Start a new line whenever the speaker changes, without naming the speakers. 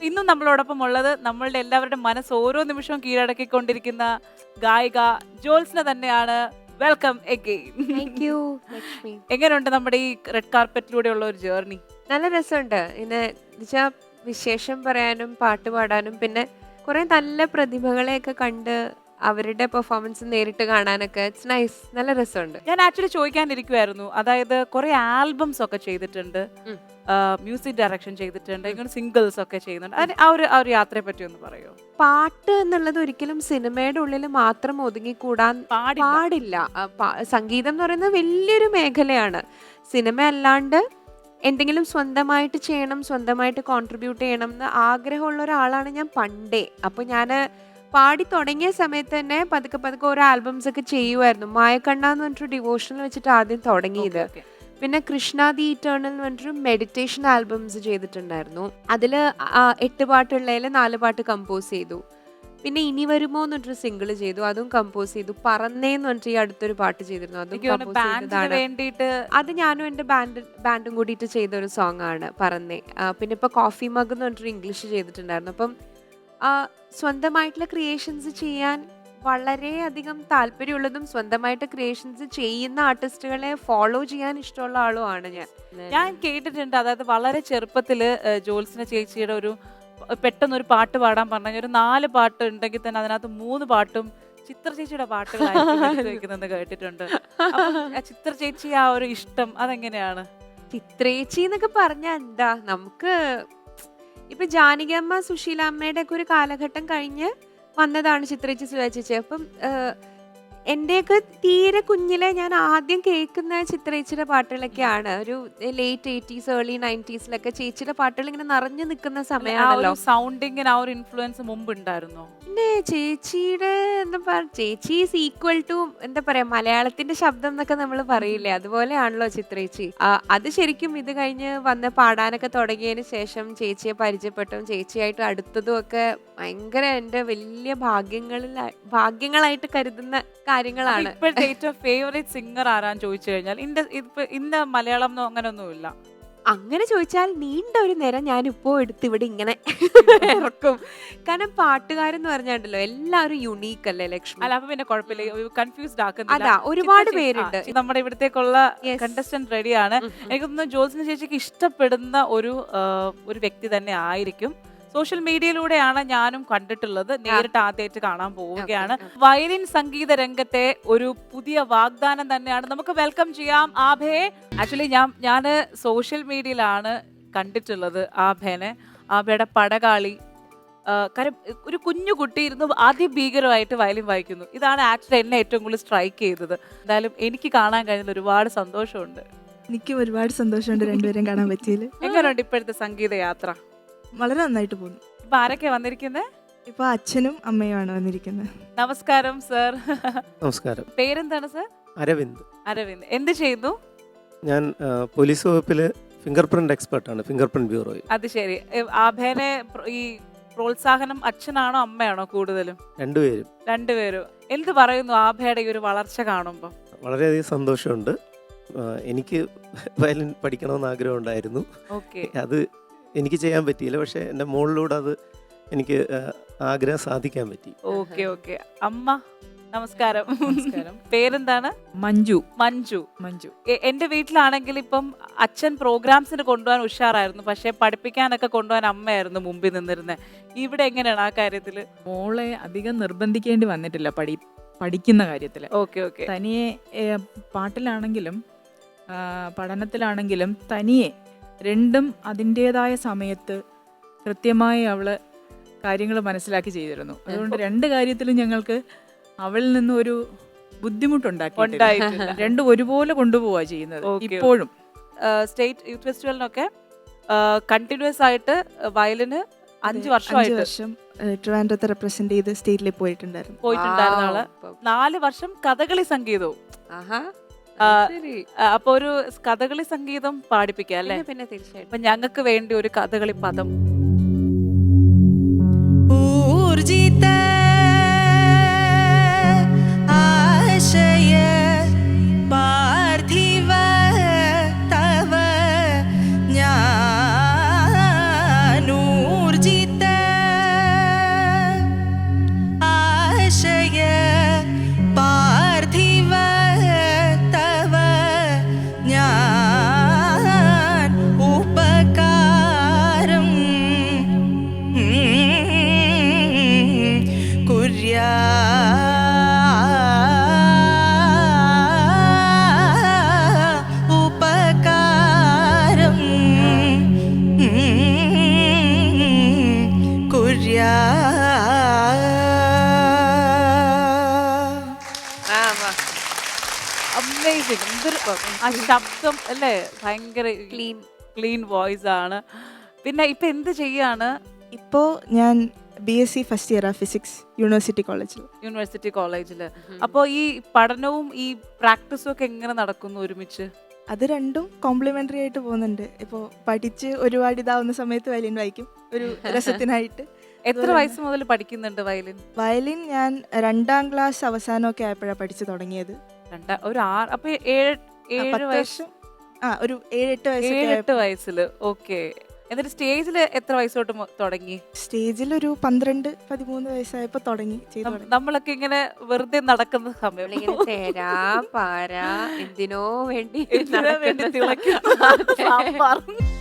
ഇന്നും നമ്മളോടൊപ്പം ഉള്ളത് നമ്മളുടെ എല്ലാവരുടെ മനസ്സ് ഓരോ നിമിഷവും കീഴടക്കിക്കൊണ്ടിരിക്കുന്ന ഗായിക ജോത്സ്ന തന്നെയാണ്. Welcome again.
Thank you Lakshmi.
എങ്ങനെയുണ്ട് നമ്മുടെ ഈ റെഡ് കാർപ്പറ്റിലൂടെയുള്ള ഒരു ജേർണി?
നല്ല രസമുണ്ട്. ഇന്ന് എന്നുവെച്ചാൽ വിശേഷം പറയാനും പാട്ട് പാടാനും പിന്നെ കുറെ നല്ല പ്രതിഭകളെയൊക്കെ കണ്ട് അവരുടെ പെർഫോമൻസ് നേരിട്ട് കാണാനൊക്കെ ഇറ്റ്സ് നൈസ്. നല്ല രസമുണ്ട്.
ഞാൻ ആക്ച്വലി ചോദിക്കാനിരിക്കുമായിരുന്നു, അതായത് കുറെ ആൽബംസ് ഒക്കെ ചെയ്തിട്ടുണ്ട്, മ്യൂസിക് ഡയറക്ഷൻ ചെയ്തിട്ടുണ്ട്, ഇങ്ങനെ സിംഗിൾസ് ഒക്കെ ചെയ്യുന്നുണ്ട്. ആ ഒരു യാത്രയെ പറ്റി ഒന്ന് പറയോ?
പാട്ട് എന്നുള്ളത് ഒരിക്കലും സിനിമയുടെ ഉള്ളിൽ മാത്രം ഒതുങ്ങിക്കൂടാൻ പാടില്ല. സംഗീതം എന്ന് പറയുന്നത് വലിയൊരു മേഖലയാണ്. സിനിമ അല്ലാണ്ട് എന്തെങ്കിലും സ്വന്തമായിട്ട് ചെയ്യണം, സ്വന്തമായിട്ട് കോൺട്രിബ്യൂട്ട് ചെയ്യണം എന്ന് ആഗ്രഹമുള്ള ഒരാളാണ് ഞാൻ പണ്ടേ. അപ്പോൾ ഞാൻ പാടി തുടങ്ങിയ സമയത്ത് തന്നെ പതുക്കെ പതുക്കെ ഓരോ ആൽബംസ് ഒക്കെ ചെയ്യുമായിരുന്നു. മായക്കണ്ണ എന്ന് പറഞ്ഞിട്ടൊരു ഡിവോഷണൽ വെച്ചിട്ട് ആദ്യം തുടങ്ങിയത്. പിന്നെ കൃഷ്ണ ദി ഇറ്റേണൽ എന്ന് പറഞ്ഞിട്ടൊരു മെഡിറ്റേഷൻ ആൽബംസ് ചെയ്തിട്ടുണ്ടായിരുന്നു. അതിൽ 8 പാട്ടുള്ളതിൽ 4 പാട്ട് കമ്പോസ് ചെയ്തു. പിന്നെ ഇനി വരുമോ എന്ന് പറഞ്ഞൊരു സിംഗിൾ ചെയ്തു, അതും കമ്പോസ് ചെയ്തു. പറന്നേന്ന് പറഞ്ഞിട്ട് ഈ അടുത്തൊരു പാട്ട് ചെയ്തിരുന്നു, അതും അത് ഞാനും എൻ്റെ ബാൻഡും കൂടിയിട്ട് ചെയ്ത ഒരു സോങ് ആണ് പറന്നേ. പിന്നെ ഇപ്പൊ കോഫി മഗ് എന്ന് പറഞ്ഞിട്ടൊരു ഇംഗ്ലീഷ് ചെയ്തിട്ടുണ്ടായിരുന്നു. അപ്പം സ്വന്തമായിട്ടുള്ള ക്രിയേഷൻസ് ചെയ്യാൻ വളരെയധികം താല്പര്യമുള്ളതും സ്വന്തമായിട്ട് ക്രിയേഷൻസ് ചെയ്യുന്ന ആർട്ടിസ്റ്റുകളെ ഫോളോ ചെയ്യാൻ ഇഷ്ടമുള്ള ആളുമാണ്
ഞാൻ കേട്ടിട്ടുണ്ട്. അതായത് വളരെ ചെറുപ്പത്തില് ജോത്സ്ന ചേച്ചിയുടെ പെട്ടെന്നൊരു പാട്ട് പാടാൻ പറഞ്ഞ ഒരു 4 പാട്ട് ഉണ്ടെങ്കിൽ തന്നെ അതിനകത്ത് 3 പാട്ടും ചിത്ര ചേച്ചിയുടെ പാട്ടുകളായിരിക്കും കേട്ടിട്ടുണ്ട്. ചിത്ര ചേച്ചി ആ ഒരു ഇഷ്ടം അതെങ്ങനെയാണ്?
ചിത്രേച്ചി എന്നൊക്കെ പറഞ്ഞ എന്താ, നമുക്ക് ഇപ്പൊ ജാനകിയമ്മ സുശീലാമ്മയുടെ ഒക്കെ ഒരു കാലഘട്ടം കഴിഞ്ഞ് വന്നതാണ് ചിത്രേച്ചി സുരാചേച്ചി. അപ്പം എൻ്റെയൊക്കെ തീരെ കുഞ്ഞിലെ ഞാൻ ആദ്യം കേൾക്കുന്ന ചിത്രേച്ചിയുടെ പാട്ടുകളൊക്കെയാണ്. ഒരു ലേറ്റ് 80s ഏർലി 90s ചേച്ചിയുടെ പാട്ടുകൾ ഇങ്ങനെ നിറഞ്ഞു നിൽക്കുന്ന സമയമാണല്ലോ.
സൗണ്ടിങ്ങിന് ആ ഒരു ഇൻഫ്ലുവൻസ് മുമ്പ് ഉണ്ടായിരുന്നോ?
പിന്നെ ചേച്ചിയുടെ ചേച്ചി ഈസ് ഈക്വൽ ടു എന്താ പറയാ, മലയാളത്തിന്റെ ശബ്ദം എന്നൊക്കെ നമ്മൾ പറയില്ലേ, അതുപോലെയാണല്ലോ ചിത്രേച്ചി. അത് ശരിക്കും ഇത് കഴിഞ്ഞ് വന്ന് പാടാനൊക്കെ തുടങ്ങിയതിന് ശേഷം ചേച്ചിയെ പരിചയപ്പെട്ടതും ചേച്ചിയായിട്ട് അടുത്തതും ഒക്കെ ഭയങ്കര എൻ്റെ വലിയ ഭാഗ്യങ്ങളായിട്ട് കരുതുന്ന കാര്യങ്ങളാണ്.
ഇപ്പോഴത്തെ ഏറ്റവും ഫേവറേറ്റ് സിംഗർ ആരാന്ന് ചോദിച്ചു കഴിഞ്ഞാൽ ഇന്ന മലയാളം അങ്ങനെയൊന്നുമില്ല.
അങ്ങനെ ചോദിച്ചാൽ നീണ്ട ഒരു നേരം ഞാനിപ്പോ എടുത്ത് ഇവിടെ ഇങ്ങനെ ഇറക്കും. കാരണം പാട്ടുകാരെന്ന് പറഞ്ഞാണ്ടല്ലോ എല്ലാവരും യുണീക്ക് അല്ലേ ലക്ഷ്മി?
അല്ല, അപ്പൊ പിന്നെ കുഴപ്പമില്ല, കൺഫ്യൂസ്ഡ് ആക്കുന്നില്ല.
അതാ, ഒരുപാട് പേരുണ്ട്.
നമ്മുടെ ഇവിടത്തേക്കുള്ള കണ്ടസ്റ്റന്റ് റെഡിയാണ്. എനിക്ക് തോന്നുന്നു ജോത്സ്ന ചേച്ചിക്ക് ഇഷ്ടപ്പെടുന്ന ഒരു വ്യക്തി തന്നെ ആയിരിക്കും. സോഷ്യൽ മീഡിയയിലൂടെയാണ് ഞാനും കണ്ടിട്ടുള്ളത്, നേരിട്ട് ആദ്യമായിട്ട് കാണാൻ പോവുകയാണ്. വയലിൻ സംഗീത രംഗത്തെ ഒരു പുതിയ വാഗ്ദാനം തന്നെയാണ്. നമുക്ക് വെൽക്കം ചെയ്യാം ആഭയെ. ആക്ച്വലി ഞാൻ സോഷ്യൽ മീഡിയയിലാണ് കണ്ടിട്ടുള്ളത് ആഭേനെ. ആഭയുടെ പടകാളി, കാര്യം ഒരു കുഞ്ഞു കുട്ടി ഇരുന്ന് അതിഭീകരമായിട്ട് വയലിൻ വായിക്കുന്നു. ഇതാണ് ആക്ച്വലി എന്നെ ഏറ്റവും കൂടുതൽ സ്ട്രൈക്ക് ചെയ്തത്. എന്തായാലും എനിക്ക് കാണാൻ കഴിഞ്ഞതിൽ ഒരുപാട് സന്തോഷമുണ്ട്.
എനിക്കും ഒരുപാട് സന്തോഷമുണ്ട് രണ്ടുപേരും കാണാൻ പറ്റിയില്ല.
എങ്ങനെയുണ്ട് ഇപ്പോഴത്തെ സംഗീത യാത്ര?
വളരെ നന്നായിട്ട് പോകുന്നു.
ഇപ്പൊ ആരൊക്കെ വന്നിരിക്കുന്നത്?
ഇപ്പൊ അച്ഛനും അമ്മയുമാണ് വന്നിരിക്കുന്നത്.
നമസ്കാരം സർ.
നമസ്കാരം.
പേരെന്താണ് സർ?
അരവിന്ദ്.
അരവിന്ദ് എന്ത് ചെയ്യുന്നു?
ഞാൻ പോലീസ് വകുപ്പില് ഫിംഗർ പ്രിന്റ് എക്സ്പെർട്ടാണ്, ഫിംഗർ പ്രിന്റ് ബ്യൂറോയിൽ.
അത് ശരി. ആഭേനെ ഈ പ്രോത്സാഹനം അച്ഛനാണോ അമ്മയാണോ കൂടുതലും? രണ്ടുപേരും. എന്ത് പറയുന്നു ആഭയുടെ ഈ ഒരു വളർച്ച കാണുമ്പോൾ?
വളരെയധികം സന്തോഷമുണ്ട്. എനിക്ക് വയലിൻ പഠിക്കണമെന്ന് ആഗ്രഹം ഉണ്ടായിരുന്നു. അത് എനിക്ക് ചെയ്യാൻ പറ്റിയില്ല, പക്ഷെ എൻ്റെ മോളിലൂടെ അത് എനിക്ക് ആഗ്രഹം സാധിക്കാൻ പറ്റി.
ഓക്കെ. അമ്മ നമസ്കാരം. പേരെന്താണ്?
മഞ്ജു.
എന്റെ വീട്ടിലാണെങ്കിൽ ഇപ്പം അച്ഛൻ പ്രോഗ്രാംസിന് കൊണ്ടുപോകാൻ ഉഷാറായിരുന്നു, പക്ഷെ പഠിപ്പിക്കാനൊക്കെ കൊണ്ടുപോകാൻ അമ്മയായിരുന്നു മുമ്പിൽ നിന്നിരുന്നത്. ഇവിടെ എങ്ങനെയാണ് ആ കാര്യത്തില്?
മോളെ അധികം നിർബന്ധിക്കേണ്ടി വന്നിട്ടില്ല പഠിക്കുന്ന കാര്യത്തില്.
ഓക്കെ.
തനിയെ പാട്ടിലാണെങ്കിലും പഠനത്തിലാണെങ്കിലും തനിയെ രണ്ടും അതിൻ്റെതായ സമയത്ത് കൃത്യമായി അവള് കാര്യങ്ങൾ മനസ്സിലാക്കി ചെയ്തിരുന്നു. അതുകൊണ്ട് 2 കാര്യത്തിലും ഞങ്ങൾക്ക് അവളിൽ നിന്നും ഒരു ബുദ്ധിമുട്ടുണ്ടാക്കിയിട്ടില്ല. രണ്ടും ഒരുപോലെ കൊണ്ടുപോവാ ചെയ്യുന്നത്. ഇപ്പോഴും
സ്റ്റേറ്റ് യൂത്ത് ഫെസ്റ്റിവലിനൊക്കെ കണ്ടിന്യൂസ് ആയിട്ട് വയലിന് 5 വർഷം
ട്രിവാൻഡ്രത്തെ റെപ്രസെന്റ് ചെയ്ത് സ്റ്റേറ്റിൽ പോയിട്ടുണ്ടായിരുന്നു
ആള്. 4 വർഷം കഥകളി സംഗീതവും. അപ്പൊ ഒരു കഥകളി സംഗീതം പാടിപ്പിക്കുക അല്ലേ?
പിന്നെ തീർച്ചയായിട്ടും.
അപ്പൊ ഞങ്ങൾക്ക് വേണ്ടി ഒരു കഥകളി പദം.
ഊർജിത ആശയ പാർത്ഥിവ തവ ജ്ഞാനൂർജിത സൂര്യ
അമേസിംഗ്. എന്തൊരു ആ ശബ്ദം അല്ലേ, ഭയങ്കര
ക്ലീൻ.
ക്ലീൻ വോയിസ് ആണ്. പിന്നെ ഇപ്പൊ എന്ത് ചെയ്യാണ്?
ഇപ്പോൾ ഞാൻ BSc first year physics university കോളേജിൽ.
യൂണിവേഴ്സിറ്റി കോളേജില്. അപ്പോൾ ഈ പഠനവും ഈ പ്രാക്ടീസും ഒക്കെ എങ്ങനെ നടക്കുന്നു ഒരുമിച്ച്?
അത് രണ്ടും കോംപ്ലിമെൻ്ററി ആയിട്ട് പോകുന്നുണ്ട്. ഇപ്പോൾ പഠിച്ച് ഒരുപാട് ഇതാവുന്ന സമയത്ത് വയലിൻ വായിക്കും ഒരു രസത്തിനായിട്ട്.
എത്ര വയസ്സ് മുതൽ പഠിക്കുന്നുണ്ട് വയലിൻ?
വയലിൻ ഞാൻ 2ാം ക്ലാസ് അവസാനമൊക്കെ ആയപ്പോഴാണ് പഠിച്ചു തുടങ്ങിയത്.
ഒരു 6 അപ്പൊ 7
10
വയസ്സ്,
വർഷം ഒരു 7-8
7-8 വയസ്സില്. ഓക്കെ. എന്നിട്ട് സ്റ്റേജില് എത്ര വയസ്സോട്ട് തുടങ്ങി?
സ്റ്റേജിൽ ഒരു 12-13 വയസ്സായപ്പോൾ തുടങ്ങി ചെയ്തു തുടങ്ങി.
നമ്മളൊക്കെ ഇങ്ങനെ വെറുതെ നടക്കുന്ന സമയം
നമ്മളിങ്ങനെ തേരാ പാരാ എന്തിനോ വേണ്ടി
എന്തിനോ വേണ്ടി തിളയ്ക്കുന്ന സാമ്പാർ.